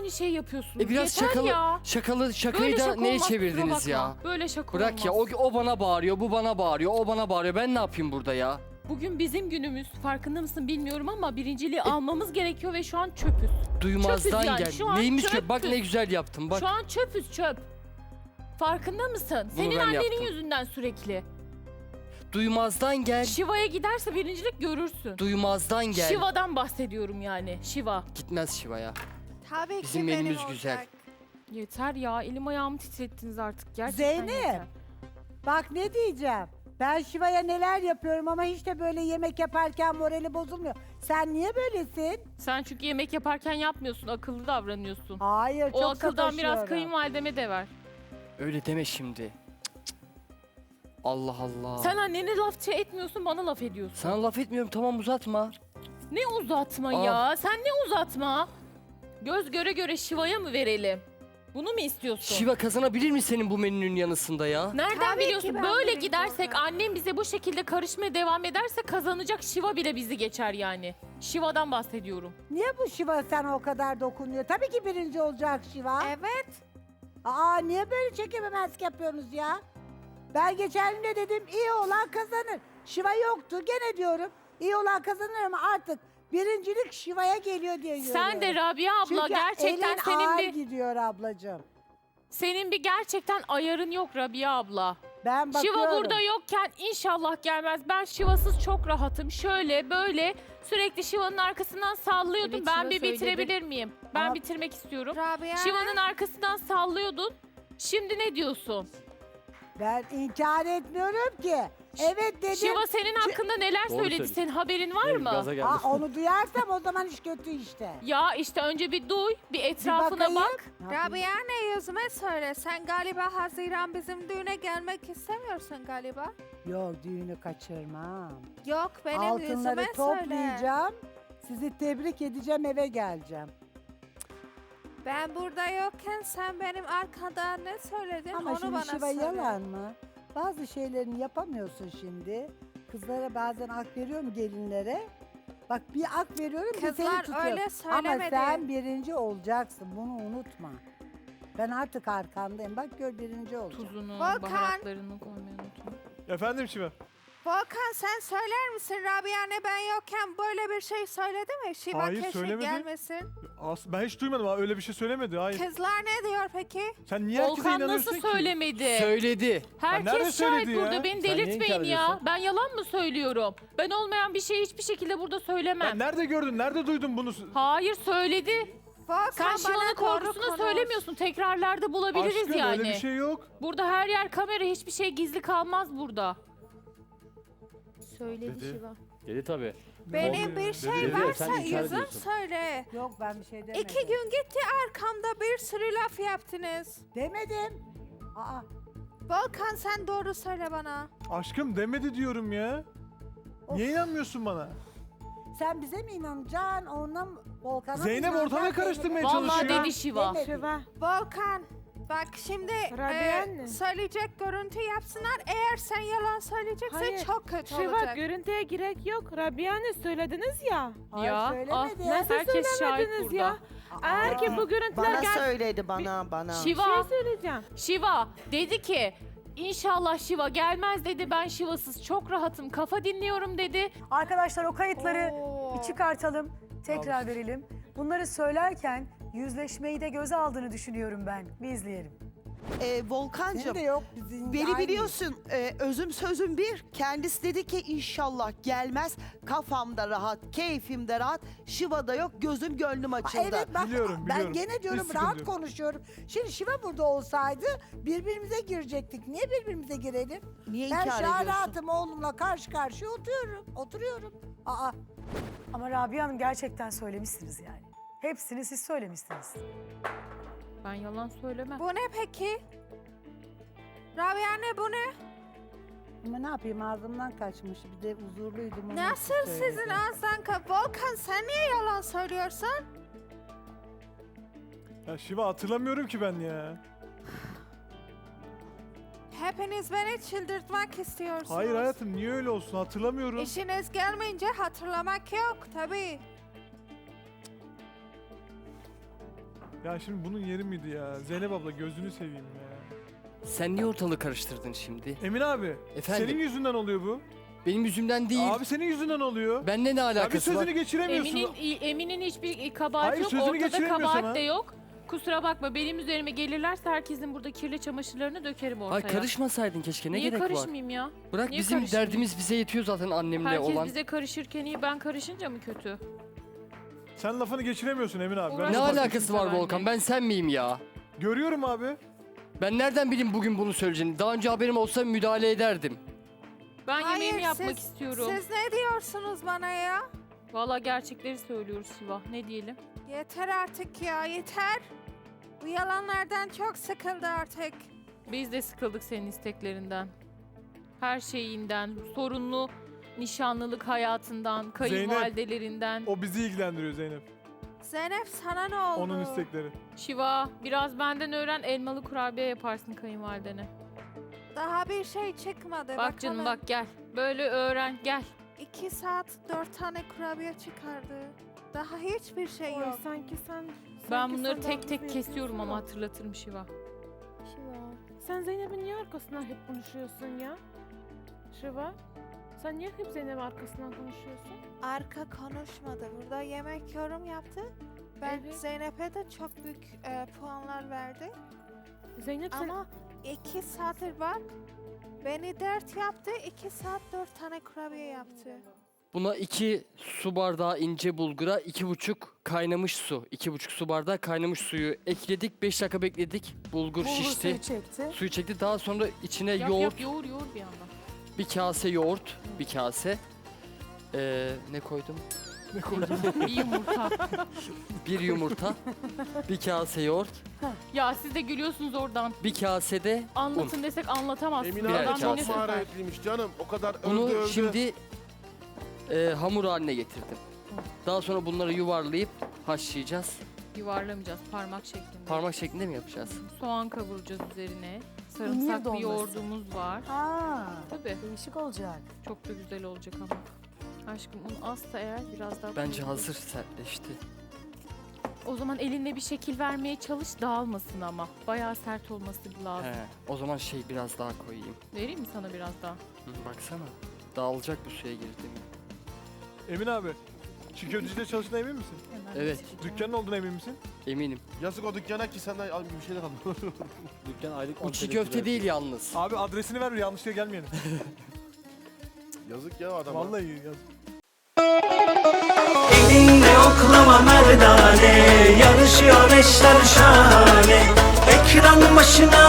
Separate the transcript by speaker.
Speaker 1: aynı şeyi yapıyorsunuz.
Speaker 2: Biraz
Speaker 1: Yeter ya.
Speaker 2: şakayı
Speaker 1: Böyle
Speaker 2: da
Speaker 1: şaka
Speaker 2: neye
Speaker 1: olmaz, kusura
Speaker 2: çevirdiniz ya?
Speaker 1: bakma. Böyle şaka
Speaker 2: Bırak ya,
Speaker 1: olmaz.
Speaker 2: o bana bağırıyor, bu bana bağırıyor, o bana bağırıyor. Ben ne yapayım burada ya?
Speaker 1: Bugün bizim günümüz. Farkında mısın bilmiyorum ama birinciliği almamız gerekiyor ve şu an çöpüz.
Speaker 2: Duymazdan
Speaker 1: Çöpüz yani,
Speaker 2: gel.
Speaker 1: şu an
Speaker 2: Neymiş ki?
Speaker 1: çöpüz.
Speaker 2: Bak ne güzel yaptım bak.
Speaker 1: Şu an çöpüz çöp. Farkında mısın?
Speaker 2: Bunu
Speaker 1: Senin
Speaker 2: ben
Speaker 1: annenin
Speaker 2: yaptım.
Speaker 1: yüzünden sürekli.
Speaker 2: Duymazdan gel.
Speaker 1: Şiva'ya giderse birincilik görürsün.
Speaker 2: Duymazdan gel.
Speaker 1: Şiva'dan bahsediyorum yani. Şiva.
Speaker 2: Gitmez Şiva'ya.
Speaker 3: Tabii
Speaker 2: Bizim
Speaker 3: ki benim
Speaker 2: menümüz
Speaker 3: olacak.
Speaker 2: güzel.
Speaker 1: Yeter ya. Elim ayağımı titrettiniz artık. Gerçekten
Speaker 4: Zeynep.
Speaker 1: yeter.
Speaker 4: Bak ne diyeceğim. Ben Şiva'ya neler yapıyorum ama hiç de böyle yemek yaparken morali bozulmuyor. Sen niye böylesin?
Speaker 1: Sen çünkü yemek yaparken yapmıyorsun. Akıllı davranıyorsun.
Speaker 4: Hayır, çok
Speaker 1: O akıldan biraz
Speaker 4: sataşıyorum.
Speaker 1: kayınvalideme de ver.
Speaker 2: Öyle deme şimdi. Cık, cık. Allah Allah.
Speaker 1: Sen annene laf etmiyorsun, bana laf ediyorsun.
Speaker 2: Sana laf etmiyorum, tamam uzatma.
Speaker 1: Ne uzatma
Speaker 2: Al.
Speaker 1: ya? Sen ne uzatma? Göz göre göre Şiva'ya mı verelim? Bunu mu istiyorsun?
Speaker 2: Şiva kazanabilir mi senin bu menünün yanısında ya?
Speaker 1: Nereden
Speaker 3: Tabii ki
Speaker 1: biliyorsun?
Speaker 3: ben
Speaker 1: Böyle
Speaker 3: birinci
Speaker 1: gidersek,
Speaker 3: olacağım.
Speaker 1: annem bize bu şekilde karışmaya devam ederse kazanacak, Şiva bile bizi geçer yani. Şiva'dan bahsediyorum.
Speaker 4: Niye bu Şiva sana o kadar dokunuyor? Tabii ki birinci olacak Şiva.
Speaker 3: Evet.
Speaker 4: Aa, niye böyle çekememezlik yapıyorsunuz ya? Ben geçen gün de dedim iyi olan kazanır. Şiva yoktu gene diyorum. İyi olan kazanır ama artık birincilik Şiva'ya geliyor diye
Speaker 1: Sen de
Speaker 4: görüyorum.
Speaker 1: Rabia abla
Speaker 4: Çünkü
Speaker 1: gerçekten
Speaker 4: elin
Speaker 1: senin
Speaker 4: ağır
Speaker 1: bir
Speaker 4: gidiyor ablacığım.
Speaker 1: gerçekten ayarın yok Rabia abla.
Speaker 4: Ben bakıyorum.
Speaker 1: Şiva burada yokken inşallah gelmez. Ben Şiva'sız çok rahatım. Şöyle böyle sürekli Şiva'nın arkasından sallıyordum.
Speaker 5: Evet,
Speaker 1: ben
Speaker 5: Şiva
Speaker 1: bir
Speaker 5: söyledi.
Speaker 1: bitirebilir miyim? Ben
Speaker 4: Ama-
Speaker 1: bitirmek istiyorum.
Speaker 3: Rabia.
Speaker 1: Şiva'nın arkasından sallıyordun. Şimdi ne diyorsun?
Speaker 4: Ben inkar etmiyorum ki. Evet dedim.
Speaker 1: Şiva senin hakkında neler
Speaker 6: Doğru
Speaker 1: söyledi?
Speaker 6: söylüyorsun.
Speaker 1: Senin haberin var mı?
Speaker 6: Gaza geldi.
Speaker 4: Aa, onu duyarsam o zaman iş kötü işte.
Speaker 1: Ya işte önce bir duy, bir etrafına
Speaker 4: bakayım.
Speaker 1: bak.
Speaker 4: Ne yapayım?
Speaker 3: Rabia ne yüzüme söyle. Sen galiba Haziran bizim düğüne gelmek istemiyorsun galiba.
Speaker 4: Yok düğünü kaçırmam.
Speaker 3: Yok benim
Speaker 4: Altınları
Speaker 3: yüzüme söyle.
Speaker 4: toplayacağım. Sizi tebrik edeceğim eve geleceğim.
Speaker 3: Ben burada yokken sen benim arkada ne söyledin
Speaker 4: Ama
Speaker 3: onu
Speaker 4: şimdi
Speaker 3: bana
Speaker 4: Şiva
Speaker 3: söyle.
Speaker 4: yalan mı? Bazı şeylerini yapamıyorsun şimdi. Kızlara bazen hak veriyorum gelinlere. Bak bir hak veriyorum bir seni
Speaker 3: Kızlar
Speaker 4: tutuyorum.
Speaker 3: öyle
Speaker 4: Ama
Speaker 3: söylemedi.
Speaker 4: sen birinci olacaksın bunu unutma. Ben artık arkandayım. Bak gör birinci olacağım.
Speaker 1: Tuzunu,
Speaker 3: Volkan.
Speaker 1: baharatlarını koymayı unutma.
Speaker 6: Efendim Şiva?
Speaker 3: Volkan sen söyler misin Rabia ne ben yokken böyle bir şey söyledi mi? Şiva
Speaker 6: Hayır,
Speaker 3: keşke
Speaker 6: söylemedi.
Speaker 3: gelmesin.
Speaker 6: Ben hiç duymadım ha, öyle bir şey söylemedi. Hayır.
Speaker 3: Kızlar ne diyor peki?
Speaker 6: Sen niye herkese
Speaker 1: Volkan
Speaker 6: inanıyorsun
Speaker 1: nasıl
Speaker 6: ki?
Speaker 1: söylemedi?
Speaker 2: Söyledi.
Speaker 6: nerede
Speaker 1: Herkes şahit
Speaker 6: söyledi ya?
Speaker 1: burada. Beni
Speaker 6: Sen niye
Speaker 1: delirtmeyin
Speaker 6: inkar
Speaker 1: ya.
Speaker 6: ediyorsun?
Speaker 1: Ben yalan mı söylüyorum? Ben olmayan bir şeyi hiçbir şekilde burada söylemem.
Speaker 6: Ben nerede gördün? Nerede duydun bunu?
Speaker 1: Hayır söyledi.
Speaker 3: Volkan
Speaker 1: Sen Şiva'nın
Speaker 3: bana doğru
Speaker 1: korkusunu
Speaker 3: konuş.
Speaker 1: söylemiyorsun. Tekrarlarda bulabiliriz
Speaker 6: Aşkım
Speaker 1: yani.
Speaker 6: öyle bir şey yok.
Speaker 1: Burada her yer kamera. Hiçbir şey gizli kalmaz burada.
Speaker 5: Söyledi
Speaker 6: Dedi.
Speaker 5: Şiva.
Speaker 6: Dedi tabii.
Speaker 3: Benim bir şey
Speaker 6: Dedi,
Speaker 3: varsa
Speaker 6: sen inkar
Speaker 3: yüzüm
Speaker 6: ediyorsun.
Speaker 3: söyle.
Speaker 4: Yok ben bir şey demedim.
Speaker 3: 2 gün gitti arkamda bir sürü laf yaptınız.
Speaker 4: Demedim. Aa,
Speaker 3: Volkan sen doğru söyle bana.
Speaker 6: Aşkım demedi diyorum ya. Niye inanmıyorsun bana?
Speaker 4: sen bize mi inanacaksın? Ona mı? Volkan'a mı
Speaker 6: Zeynep
Speaker 4: inanacaksın?
Speaker 6: ortalığı karıştırmaya
Speaker 1: Vallahi
Speaker 6: çalışıyor.
Speaker 1: dedi Şiva.
Speaker 4: Demedi.
Speaker 5: Şiva.
Speaker 3: Volkan bak şimdi
Speaker 5: Rabia anne.
Speaker 3: söyleyecek görüntü yapsınlar. Eğer sen yalan söyleyeceksen
Speaker 5: Hayır.
Speaker 3: çok kötü
Speaker 5: Şiva
Speaker 3: olacak.
Speaker 5: görüntüye gerek yok. Rabia ne söylediniz ya.
Speaker 4: Hayır,
Speaker 1: Ya,
Speaker 4: söylemedi.
Speaker 5: Nasıl
Speaker 1: Herkes şahit
Speaker 5: söylemediniz
Speaker 1: burada.
Speaker 5: ya? Eğer ki bu görüntüler
Speaker 7: Bana
Speaker 5: gel...
Speaker 7: söyledi bana.
Speaker 5: Bir
Speaker 1: Şiva,
Speaker 5: şey söyleyeceğim.
Speaker 1: Şiva dedi ki İnşallah Şiva gelmez dedi. Ben Şiva'sız çok rahatım. Kafa dinliyorum dedi.
Speaker 8: Arkadaşlar o kayıtları
Speaker 3: Oo.
Speaker 8: bir çıkartalım, tekrar verelim. Bunları söylerken yüzleşmeyi de göze aldığını düşünüyorum ben. Bir izleyelim.
Speaker 4: Senin
Speaker 7: Volkancığım
Speaker 4: de yok bizim.
Speaker 7: beni
Speaker 4: aynı.
Speaker 7: biliyorsun özüm sözüm bir. Kendisi dedi ki inşallah gelmez. Kafamda rahat, keyfimde rahat. Şiva'da yok, gözüm gönlüm açıldı.
Speaker 4: Evet bak
Speaker 6: Biliyorum,
Speaker 4: ben
Speaker 6: biliyorum.
Speaker 4: gene diyorum
Speaker 6: Hiç
Speaker 4: rahat
Speaker 6: sıkıntı yok.
Speaker 4: konuşuyorum. Şimdi Şiva burada olsaydı birbirimize girecektik. Niye birbirimize girelim?
Speaker 7: Niye
Speaker 4: Ben
Speaker 7: inkar
Speaker 4: şu an
Speaker 7: ediyorsun?
Speaker 4: rahatım oğlumla karşı karşıya oturuyorum. Aa,
Speaker 8: Ama Rabia Hanım gerçekten söylemişsiniz yani. Hepsini siz söylemişsiniz.
Speaker 1: Ben yalan söylemem.
Speaker 3: Bu ne peki? Rabia ne bu ne?
Speaker 4: ama ne yapayım ağzımdan kaçmış. Bir de huzurluydum. onun için
Speaker 3: Nasıl
Speaker 4: söyledim.
Speaker 3: sizin ağızdan Volkan sen niye yalan söylüyorsun?
Speaker 6: Ya Şiva hatırlamıyorum ki ben ya.
Speaker 3: Hepiniz beni çıldırtmak istiyorsunuz.
Speaker 6: Hayır hayatım niye öyle olsun hatırlamıyorum.
Speaker 3: İşiniz gelmeyince hatırlamak yok tabii.
Speaker 6: Ya şimdi bunun yeri miydi ya? Zeynep abla gözünü seveyim ya.
Speaker 2: Sen niye ortalığı karıştırdın şimdi?
Speaker 6: Emin abi.
Speaker 2: Efendim?
Speaker 6: Senin yüzünden oluyor bu.
Speaker 2: Benim yüzümden değil.
Speaker 6: Abi senin yüzünden oluyor.
Speaker 2: Benle ne
Speaker 6: Ya bir
Speaker 2: alakası var?
Speaker 6: sözünü geçiremiyorsun.
Speaker 1: Emin'in hiçbir kabahati
Speaker 6: Hayır,
Speaker 1: yok.
Speaker 6: sözünü
Speaker 1: Ortada
Speaker 6: geçiremiyor
Speaker 1: kabahat
Speaker 6: sana.
Speaker 1: de yok. Kusura bakma benim üzerime gelirlerse herkesin burada kirli çamaşırlarını dökerim ortaya.
Speaker 2: Ay karışmasaydın keşke. Ne
Speaker 1: Niye
Speaker 2: gerek var?
Speaker 1: karışmayayım ya?
Speaker 2: Bırak
Speaker 1: Niye
Speaker 2: bizim
Speaker 1: karışmayayım?
Speaker 2: derdimiz bize yetiyor zaten annemle
Speaker 1: Herkes
Speaker 2: olan.
Speaker 1: bize karışırken iyi ben karışınca mı kötü?
Speaker 6: Sen lafını geçiremiyorsun Emin abi. Ben
Speaker 1: Uğraşma
Speaker 2: Ne
Speaker 6: de fark
Speaker 2: alakası
Speaker 6: ettim.
Speaker 2: var
Speaker 1: benimle.
Speaker 2: Volkan? Ben sen miyim ya?
Speaker 6: Görüyorum abi.
Speaker 2: Ben nereden bileyim bugün bunu söyleyeceğini? Daha önce haberim olsa müdahale ederdim.
Speaker 1: Ben
Speaker 3: Hayır,
Speaker 1: yemeğimi yapmak
Speaker 3: siz-
Speaker 1: istiyorum.
Speaker 3: Siz ne diyorsunuz bana ya?
Speaker 1: Valla gerçekleri söylüyoruz Şiva. Ne diyelim?
Speaker 3: Yeter artık ya, yeter. Bu yalanlardan çok sıkıldı artık.
Speaker 1: Biz de sıkıldık senin isteklerinden. Her şeyinden, sorunlu nişanlılık hayatından, kayınvalidelerinden.
Speaker 6: O bizi ilgilendiriyor Zeynep.
Speaker 3: Zeynep sana ne oldu?
Speaker 6: Onun istekleri.
Speaker 1: Şiva biraz benden öğren elmalı kurabiye yaparsın kayınvalidene.
Speaker 3: Daha bir şey çıkmadı.
Speaker 1: Bak canım bak gel. Böyle öğren gel.
Speaker 3: 2 saat 4 tane kurabiye çıkardı. Daha hiçbir şey
Speaker 5: Oy,
Speaker 3: yok.
Speaker 1: Ben bunları tek tek kesiyorum ama hatırlatırım Şiva.
Speaker 5: Sen Zeynep'in niye arkasından hep konuşuyorsun ya? Şiva, sen niye hep Zeynep'in arkasından konuşuyorsun?
Speaker 3: Arka konuşmadı. Burada yemek yorum yaptı. Ben
Speaker 5: Evet.
Speaker 3: Zeynep'e de çok büyük puanlar verdi.
Speaker 5: Zeynep sen...
Speaker 3: Ama 2 saattir bak. Beni dert yaptı. 2 saat 4 tane kurabiye yaptı.
Speaker 2: Buna 2 su bardağı ince bulgura 2,5 kaynamış su. 2,5 su bardağı kaynamış suyu ekledik. 5 dakika bekledik. Bulgur şişti.
Speaker 8: suyu çekti.
Speaker 2: Suyu çekti. Daha sonra içine
Speaker 1: Yap
Speaker 2: yoğurt,
Speaker 1: yap yoğur yoğur bir yandan.
Speaker 2: bir kase yoğurt, bir kase. Ne koydum?
Speaker 6: Ne koydun?
Speaker 1: Bir yumurta.
Speaker 2: Bir yumurta, bir kase yoğurt,
Speaker 1: Ya siz de gülüyorsunuz oradan.
Speaker 2: bir kasede
Speaker 1: Anlatın desek anlatamazsınız.
Speaker 9: Emine
Speaker 2: Birer
Speaker 9: abi
Speaker 1: Adam
Speaker 2: kase.
Speaker 1: beni
Speaker 9: çok
Speaker 1: söver.
Speaker 9: maharetliymiş canım. O kadar övdü
Speaker 2: bunu
Speaker 9: övdü.
Speaker 2: şimdi hamur haline getirdim. Daha sonra bunları yuvarlayıp haşlayacağız.
Speaker 1: Yuvarlamayacağız parmak şeklinde.
Speaker 2: Parmak şeklinde mi yapacağız?
Speaker 1: Soğan kavuracağız üzerine.
Speaker 8: İmir
Speaker 1: Sarımsaklı
Speaker 8: dolması.
Speaker 1: yoğurdumuz var.
Speaker 8: Aa,
Speaker 1: Tabii.
Speaker 8: değişik olacak.
Speaker 1: Çok da güzel olacak ama. Aşkım un azsa eğer biraz daha
Speaker 2: Bence
Speaker 1: koyalım.
Speaker 2: hazır sertleşti.
Speaker 1: O zaman elinle bir şekil vermeye çalış dağılmasın ama. Bayağı sert olması lazım.
Speaker 2: He, o zaman biraz daha koyayım.
Speaker 1: Vereyim mi sana biraz daha?
Speaker 2: Hı, baksana. Dağılacak bu suya girdiğimi.
Speaker 6: Emin abi. Çiğ köftecide çalıştığına emin misin?
Speaker 1: Hemen
Speaker 2: Evet.
Speaker 1: sileceğim.
Speaker 6: Dükkanın olduğuna emin misin?
Speaker 2: Eminim.
Speaker 9: Yazık o dükkana ki senden al bir şeyler al.
Speaker 6: Dükkan aylık
Speaker 2: Bu çiğ köfte değil yalnız.
Speaker 6: Abi adresini ver yanlışlıkla gelmeyelim.
Speaker 9: Yazık ya adama.
Speaker 6: Vallahi yazık.
Speaker 10: Elinde oklama merdane, yarışıyor eşler şahane. Ekran başına